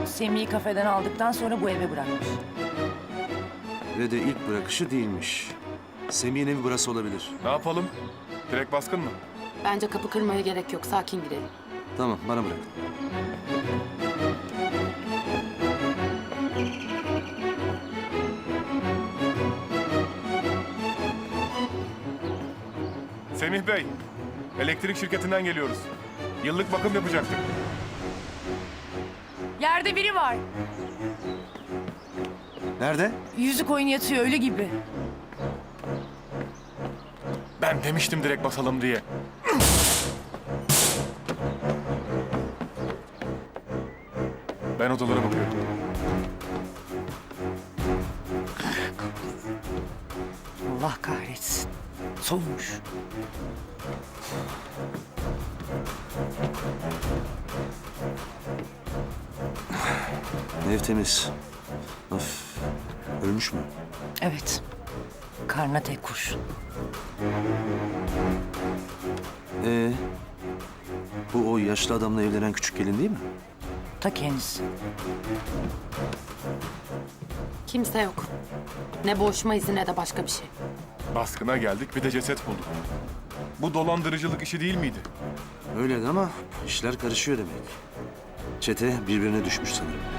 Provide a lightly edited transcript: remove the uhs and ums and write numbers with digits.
Semih'i kafeden aldıktan sonra bu eve bırakmış. Ve de ilk bırakışı değilmiş. Semih'in evi burası olabilir. Ne yapalım? Direkt baskın mı? Bence kapı kırmaya gerek yok. Sakin girelim. Tamam, bana bırak. Semih Bey, elektrik şirketinden geliyoruz. Yıllık bakım yapacaktık. Yerde biri var. Nerede? Yüzü koyun yatıyor ölü gibi. Ben demiştim direkt basalım diye. Ben odalara bakıyorum. Allah kahretsin. Soğumuş. Ev temiz. Of. Ölmüş mü? Evet. Karnına tek kurşun. Bu o yaşlı adamla evlenen küçük gelin değil mi? Ta kendisi. Kimse yok. Ne boğuşma izi ne de başka bir şey. Baskına geldik, bir de ceset bulduk. Bu dolandırıcılık işi değil miydi? Öyle ama işler karışıyor demek. Çete birbirine düşmüş sanırım.